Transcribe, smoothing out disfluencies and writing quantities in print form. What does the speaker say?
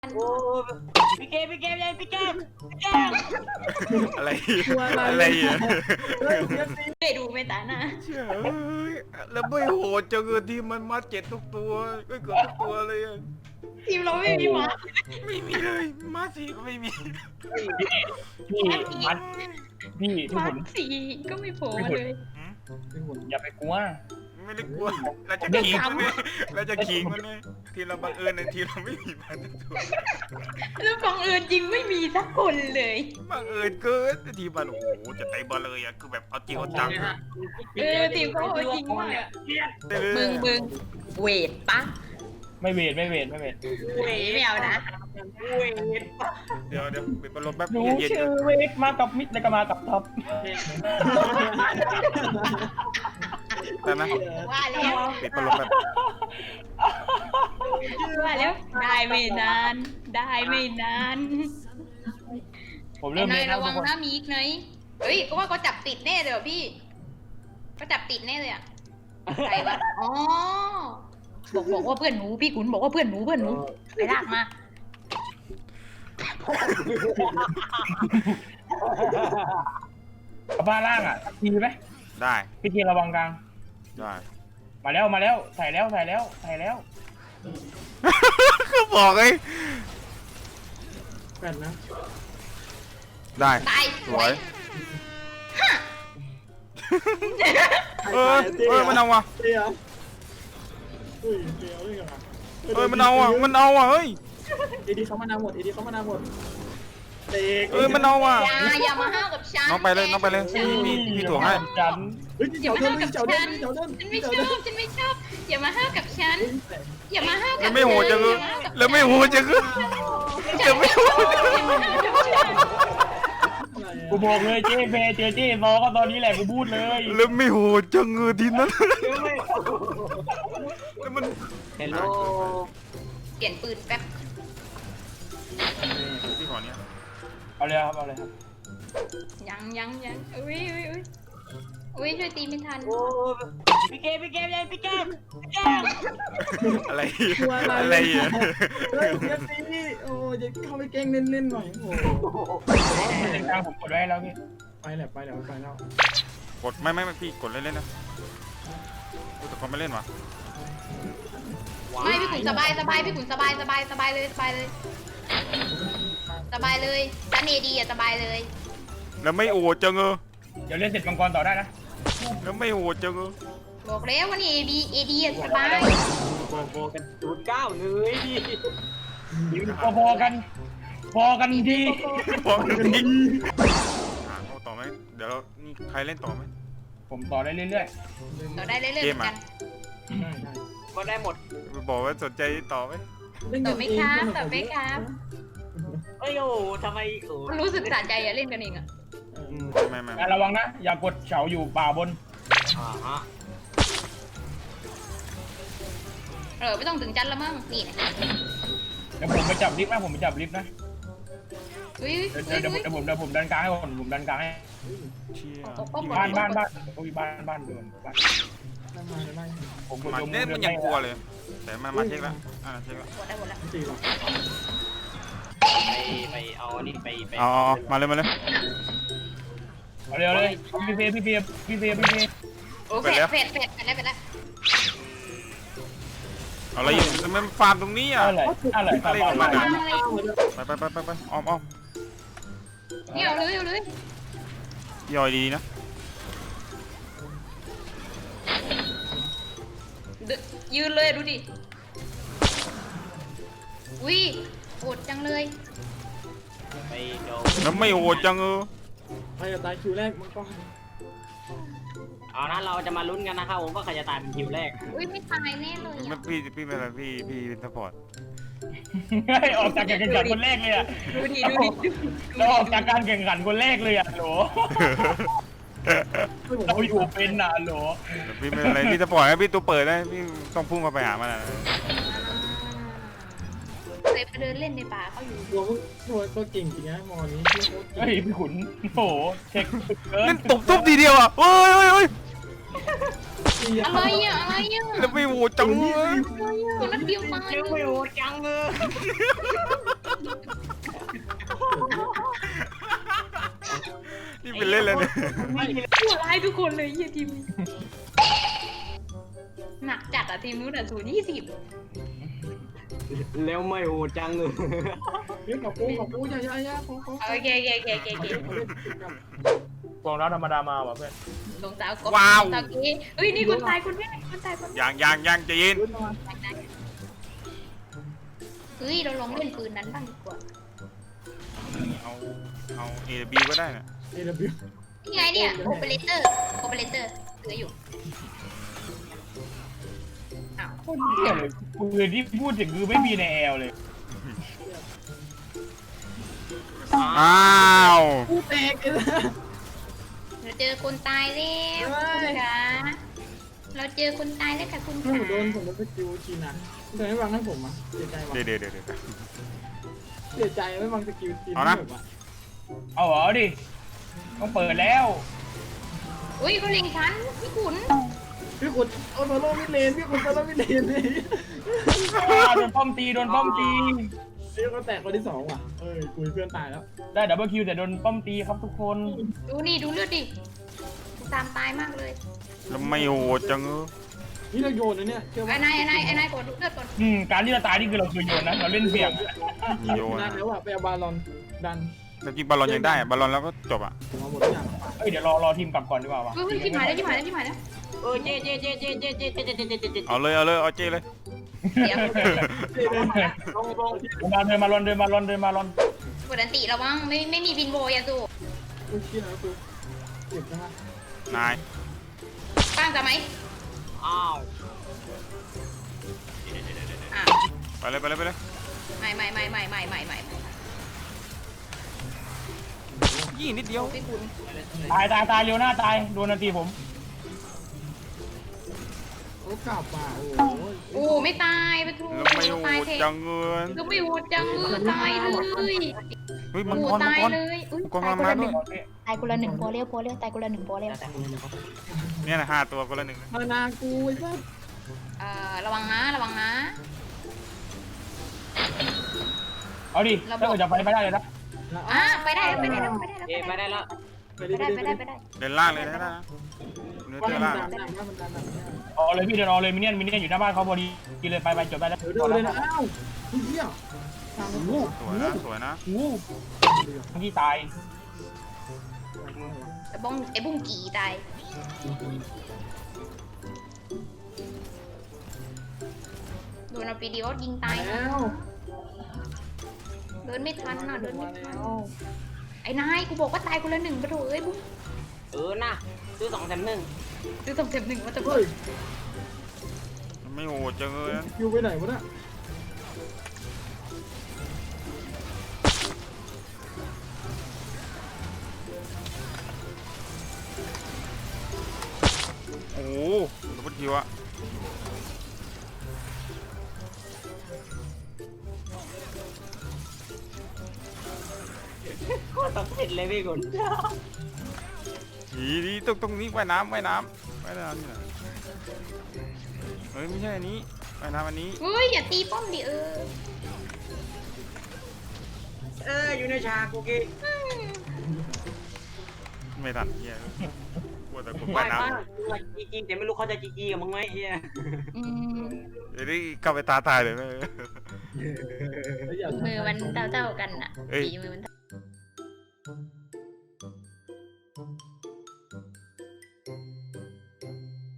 โอ้พี่เกมยังพี่เกมอะไรอะไรอ่ะไปดูไม่ตาหน้าเชื่อเอ้ยแล้วไม่โหดจังเลยที่มันมาเจ็ดทุกตัวไม่เกิดทุกตัวเลยอะทีมเราไม่มีหมาไม่มีเลยมาสีก็ไม่มีพี่มันพี่หมาหุ่นสีก็ไม่โผล่มาเลยพี่หุ่นอย่าไปกลัวไม่ได้กลัวเราจะขิงมันเนี่ยเราจะขิงมันเนี่ยทีเราบังเอิญในทีเราไม่มีมันทุกตัวแล้วบังเอิญจริงไม่มีสักคนเลยบังเอิญเกินทีมันโอ้โหจะเตะบอลเลยอ่ะคือแบบเอาจริงเอาจังทีมเขาเอาจริงมากอะได้เลยมึงเวทปะไม่เวทเวทไม่เอานะเดี๋ยวปิดพัดลมแป๊บหนูเย็นชื่อเวทมากับมิดแล้วก็มากับท็อปๆได้ไหมว่าแล้วปิดพัดลมแป๊บว่าแล้วได้ไม่นานได้ไม่นานผมเริ่มนาเล่ยนระวังนะมีอีกไหนเฮ้ยก็ว่าเขาจับติดแน่เลยพี่เขาจับติดแน่เลยอะใครวะอ๋อบอกว่าเพื่อนหนูพี่ขุนบอกว่าเพื่อนหนูไปลากมากับบ้านล่างอ่ะสักทีไหมได้พี่เทียนระวังกลางได้มาแล้วใส่แล้วก็บอกไงแปดนะได้ตายสวยเออมันเอาว่ะเตี้ยอุ้ยเตี้ยด้วยกันมันเอาอ่ะเฮ้ยเอดีเขามานาวหมดเอดีเขามานาวหมดเตะมันเอาอ่ะอย่ามาห้าวกับฉันน้องไปเลยพี่ถ่วงให้จันเฮ้ยอย่าเจ้ามาเดิห้าวน กับเจ้าเดิฉันนเจ้าเดินฉันไม่ชอบอย่ามาห้าวกับฉันอย่ามาห้าวกับแล้วไม่โหดจังเลยแล้วไม่โหดจังเลยอย่าไม่โหดอย่ามาห้าวกับฉันกูบอกเลยเจ๊เเจอเจ๊บอก็ตอนนี้แหละกูพูดเลยแล้วไม่โหดจังเลยทีนั้นแล้วมันเฮลโลเปลี่ยนปืนแป๊บพี่ขอเนี้ยเอาเลยครับยังอุ้ยช่วยตีไม่ทันพี่เกมยังพี่เกมอะไรอ่ะเฮ้ยเอฟซีโอ้ยเข้าไปเก่งเล่นหน่อยโอ้เล่นกลางผมกดไว้แล้วพี่ไปแล้วกดไม่พี่กดเล่นนะแต่เขาไม่เล่นวะไม่พี่ขุนสบายพี่ขุนสบายเลยจันเอดีอ่ะสบายเลยแล้วไม่โหดจังเลยเดี๋ยวเล่นเสร็จมังกรต่อได้นะแล้วไม่โหดจังเลยบอกแล้วว่านี่เอดีอ่ะสบายโบกัน09เลยดิพอกันดีบอกจริงเอาต่อไหมเดี๋ยวนี่ใครเล่นต่อไหมผมต่อได้เรื่อยต่อได้เรื่อยๆเหมือนกันก็ได้หมดบอกว่าสนใจต่อไหมต่อไหมครับเอ้ยโอ้ทำไมโอ้รู้สึกสะใจอะเล่นกันเองอะไม่ๆระวังนะอย่ากดเฉาอยู่ป่าบนฮะไม่ต้องถึงจันละมั้งนี่นะเดี๋ยวผมไปจับลิฟต์นะอุ้ยเดี๋ยวผมดันกลางให้ผมดันกลางให้เชี่ยบ้านโอ้ยบ้านโดนบ้านผมกดมันเนี่ยมันยังกลัวเลยแต่มาเช็คแล้วเช็คแล้วหมดแล้วตีหรอไปเอานี่ไปอ๋อมาเลยเอาเร็วเลยพี่เฟย์โอเคเฟดแล้วอะไรอยู่มันฟาร์มตรงนี้อ่ะอะไรไปอ้อมนี่เอาเลยย่อยดีนะยืนเลยดูดิอุ้ยโหดจังเลยไปโดแล้วไม่โหดจังเออไปตายคิวแรกมันก็เอานะเราจะมาลุ้นกันนะครับผมว่าใครจะตายเป็นคิวแรกอุ้ยไม่ตายแน่เลยไม่พี่เป็นอะไรพี่เป็นซัพพอร์ตออกจากการแข่งขันคนแรกเลยอ่ะดูดิเราออกจากการแข่งขันคนแรกเลยอ่ะโหลเราอยู่เป็นน่ะโหลพี่เป็นอะไรพี่ซัพพอร์ตนะพี่ตัวเปิดนะพี่ต้องพุ่งเข้าไปหามันเคยไปเดินเล่นในป่าเขาอยู่ตัวก็เก่งจริงนะมอนี้ที่โคตรเฮ้ยพี่ขุนโหเช็คเกิเล่นนตบทุบทีเดียวอ่ะเฮ้ยอะไรอ่ะอะไรอ่ะแล้วไม่โหวตจังเลยคนนัดเดียวตายยังไม่โหดจังเลยนี่เป็นเล่นเลยเนี่ยชั่วร้ายทุกคนเลยเฮียทีมนี้หนักจัดอ่ะทีมนู้นอ่ะ0-20 แล้วไม่โหดจังเลยเฮ้ยกับกูอย่าของโอเคกองน้ำธรรมดามาว่ะเพื่อนลงตากบลงตาเก้เฮ้ยนี่คนตายคนแรกคนตายคนแรกยังใจะยินขึ้นมาเฮ้ยเราลองเล่นปืนนั้นบ้างดีกว่าเอาเอบีก็ได้นะเอวนี่ไงเนี่ยโอเปอเรเตอร์เหลืออยู่อ้าวโคตรเหี้ยเลยปืนที่พูดถึงคือไม่มีในแอลเลยอ้าวกูแตกเลยเราเจอคนตายแล้วคุณขาเราเจอคนตายแล้วค่ะคุณผมขาโดนสกิลจีนอ่ะแต่ไม่วางให้ผมอ่ะเสียใจว่ะเดี๋ยวเสียใจไม่วางสกิลจีนเอานะให้ผมอ่ะเอาเหรอดิต้องเปิดแล้วอุ้ยเขาเล็งฉันพี่ขุนพี่ขุนเอาโซโล่มิเลนพี่ขุนโซโล่มิเลนนี่โดนป้อมตีพี่ก็แตกคนที่2ว่ะคุยเพื่อนตายแล้วได้ดับเบิลคิวแต่โดนป้อมตีครับทุกคนดูนี่ดูเลือดดิตามตายมากเลยแล้วไม่โหวตจังนี่เราโยนนะเนี่ยเชื่อไอ้ว่านายกดดูเลือดก่อนการที่เราตายนี่คือเราเคยโยนนะเราเล่นเสี่ยงโยนดันแล้วอ่ะไปเอาบาลอนดันแล้วจริงบอลลอนยังได้บอลลอนแล้วก็จบอ่ะผมเอาหมดทุกอย่างเฮ้ยเดี๋ยวรอทีมกลับก่อนดีกว่าวะเฮ้ยที่หมายแล้วเออเจ๊เอาเลยเอาเจเลยเดี๋ยวลงเดินมาลอนกดอันติระวังไม่มีบินโบยาสูกูเชื่อแล้วกูเจ็บนะนายตั้งจะไหมอ้าวอ่ะไปเลยไม่ยี่นิดเดียวพี่ขุนตายเร็วหน้าตายโดนนาทีผมโอ้กลับมาโอ้โอ้ไม่ตายไปทุกแล้วไม่โหวตายตเทจังเงินก็ไม่โหดจังตายเลยเฮ้ยมังโอ้กรตายเลยตายคนละหนึ่งตายคนละหนึ่งพอเร็วตายคนละหนึ่งพอเร็วเนี่ยนะ5 ตัวคนละ 1นะมานากูไอ้สัสระวังนะเอาดิถ้าเกิดจะไปไม่ได้เลยนะไปได้เจ๊ไปได้แล้วไปได้เดินล่างเลยนะเนื้อว่าเจอมันล่างดันมันดันเอาเลยพี่เดินเอาเลยมินเนี่ยอยู่หน้าบ้านเขาพอดีกินเลยไปจบได้แล้วเดินเลยนะอ้าวเฮียทางกูสวยนะที่ตายไอ้บุ้งกี่ตายโดนเอาปีดีโอยิงตายแล้วเดินไม่ทันน่ะเดินมาไม่ทัแล้นวไอ้นายกูบอกว่าตายคนละหนึ่งปะโถเอ้ยบุ้งนะซื้อ2 แถม 1 ซื้อสองเจ็บหนึ่งมาตะโกเฮ้นยไม่โหวตจังเงินคิวไปไหนวะเนี่ยโอ้โหดับเบิลคิวอะโคตรต้องผิดเลยพี่คุณดีตรงนี้ว่ายน้ำนี่นะเฮ้ยไม่ใช่อันนี้ว่ายน้ำอันนี้เฮ้ยอย่าตีป้อมดิอยู่ในฉากโอเคไม่ทันเฮียกลัวแต่กดไปว่ายน้ป้าจริงแต่ไม่รู้เขาจะจริงกับมึงไหมเฮียำเดี๋ยวนี้กลับไปตายเลยนะมือมันเท่ากันอ่ะเอ้ยฝีมือมัน